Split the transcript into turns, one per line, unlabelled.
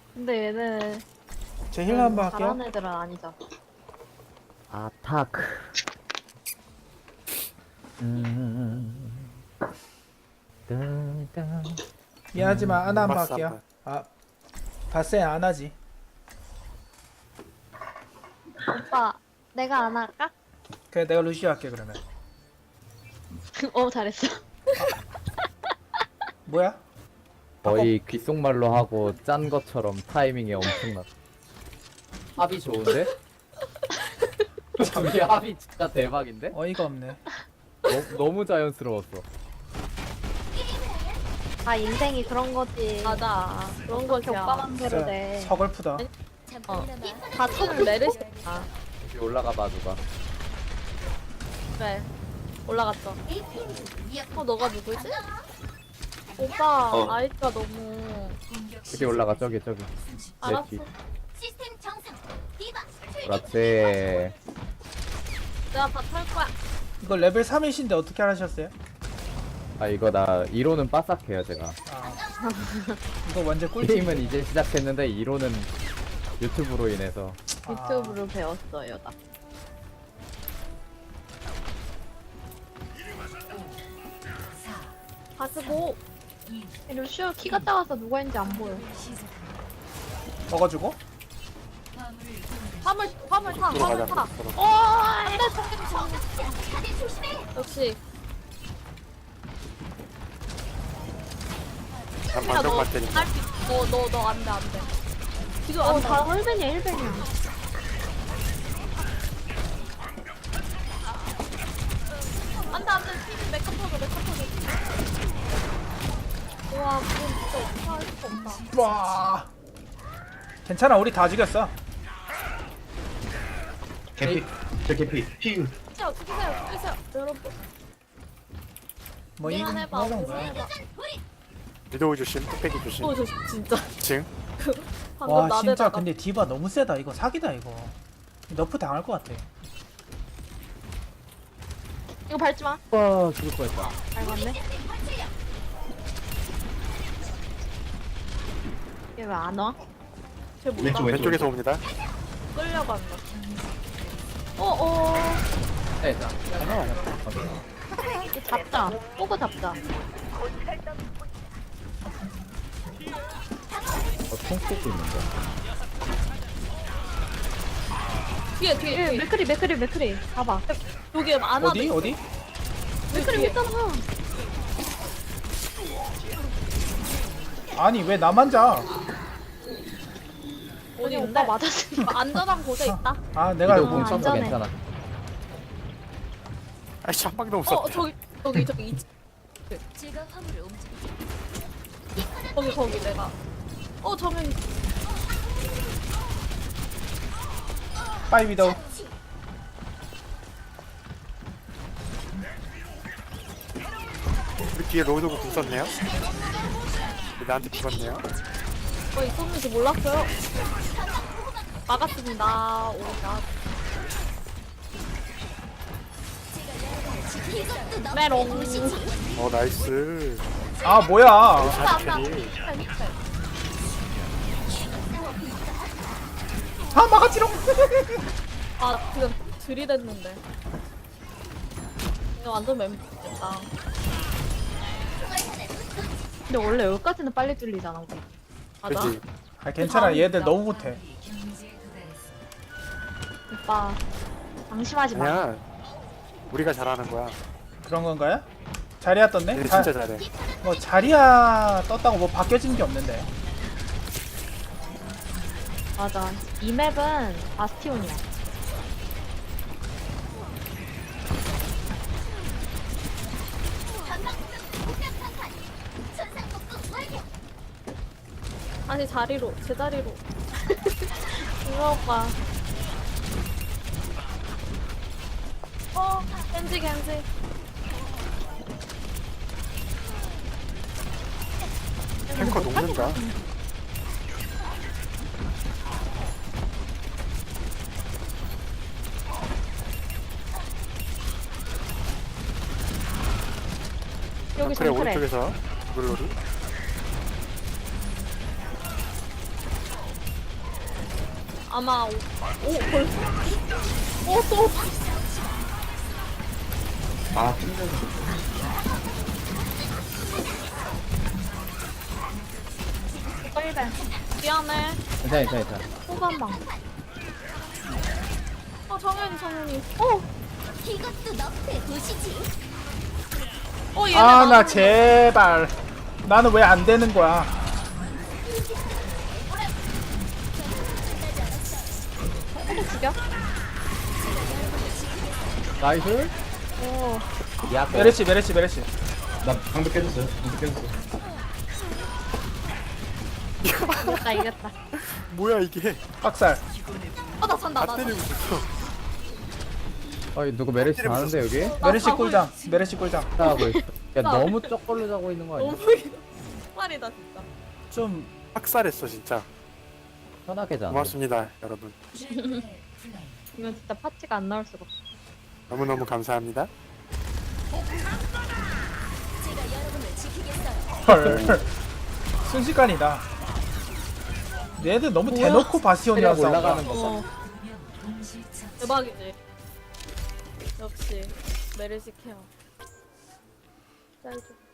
근데 얘는
제 힐러 한번 할게요.
잘하는 애들은 아니잖아.
아타크. 따따.
미안하지만 아나 한번
바스
할게요.
한번.
아 바세 안 하지.
오빠, 내가 안 할까?
그래 내가 루시오 할게 그러면.
잘했어.
뭐야?
거의 귓속말로 하고 짠 것처럼 타이밍이 엄청나. 합이 좋은데? 우리 합이 진짜 대박인데?
어이가 없네.
너무 자연스러웠어.
아, 인생이 그런 거지.
맞아. 그런
그렇게
것이야.
오빠 맘대로
진짜
돼.
서글프다.
다
손을 내리시. 아,
여기 올라가 봐 누가.
그래. 올라갔어. 너가 누구지? 오빠,
어.
아이가 너무.
여기 올라가 저기.
알았어.
내 뒤.
시스템 정상. 디바.
그렇지.
내가 다 털 거야.
이거 레벨 3이신데 어떻게 하셨어요?
아 이거 나 2로는 빠삭해요 제가.
아 이거 완전 꿀팁.
게임은 이제 시작했는데 2로는 유튜브로 인해서.
유튜브로 배웠어요, 나.
가지고.
루시오 키가 작아서 누가 있는지 안 보여.
먹어주고.
화물 타.
들어가자.
화물 타.
들어가.
역시.
난
야,
방정
너,
갈 테니까.
너, 안 돼, 안 돼. 지금 안 돼.
다 1벤이야, 1벤이야.
안 돼, 안 돼. 팀 메카 터져. 와, 그건 진짜 어떻게 할 수가 없다.
와. 괜찮아 우리 다 죽였어.
개피 저 개피 핑
죽이세요. 여러분.
뭐 이거
미안해봐.
뭐 이런 거야.
미안해봐.
위도우 조심, 뚝배기 조심.
저 진짜.
징.
방금
와 진짜
나대다가.
근데 디바 너무 세다. 이거 사기다 이거. 너프 당할 것 같아.
이거 밟지 마.
와 죽을 뻔했다.
밟았네. 얘 왜 안 와?
쟤 뭐다?
왼쪽
왼쪽에서 옵니다.
끌려간다.
네, 자.
이거 잡자. 보고 잡자.
총 쏘고 있는데.
뒤에.
맥크리. 봐봐.
여기 안 와.
어디?
맥크리 있잖아.
아니 왜 나만 자?
어디
오빠
오빠
맞았으니까.
안전한 곳에 있다.
아 내가
이거
아,
공 쳤어
안전해.
괜찮아.
아이씨 한 방도 못 쐈다.
저기
제가 화물을 움직여.
거기 내가. 정현.
빠이 위도우.
우리 뒤에 로드고 궁 썼네요. 나한테 죽었네요.
있었는지 몰랐어요. 막았습니다. 메롱.
나이스.
아 뭐야?
잘 캐리.
아 막았지롱.
지금 들이댔는데. 이거 완전 멤버겠다.
근데 원래 여기까지는 빨리 뚫리잖아, 우리.
맞아.
그지.
아 괜찮아 얘들 너무 못해.
오빠, 방심하지 마.
아니야. 우리가 잘하는 거야.
그런 건가요? 자리야 떴네?
얘네 진짜 잘해.
뭐 자리야 떴다고 뭐 바뀌어진 게 없는데.
맞아. 이 맵은 바스티온이야.
다시 자리로, 제자리로. 이거 오빠. 겐지.
탱커 녹는다.
여기
그래
정크래.
오른쪽에서 블로리.
아마 오 벌써 오또
아, 튕겨서.
빨리
미안해.
괜찮아.
후반방.
정현이.
이것도 너의 도시지.
얘네
아, 나
나오는
제발. 나는 왜 안 되는 거야?
또 죽여?
나이스.
오.
야고.
메르시.
나 방금 깨졌어요. 방금 깨졌어.
이겼다.
뭐야 이게?
빡살.
나 잔다.
다 때리고 있어.
누구 메르시 자는데 여기?
메르시
자고
꿀장. 메르시 꿀장.
자고 있어. 야 너무 쩍 걸로 자고 있는 거 아니야?
너무 말이다 진짜.
좀
학살했어 진짜.
편하게 자.
고맙습니다 여러분.
이건 진짜 파츠가 안 나올 수가 없어.
너무너무 감사합니다.
제가 여러분을 지키겠어요.
헐. 순식간이다. 얘들 너무 대놓고 바스티온이랑
체력
싸운다.
올라가는 거 봐.
대박이지. 역시 메르시 케어. 짤 좀.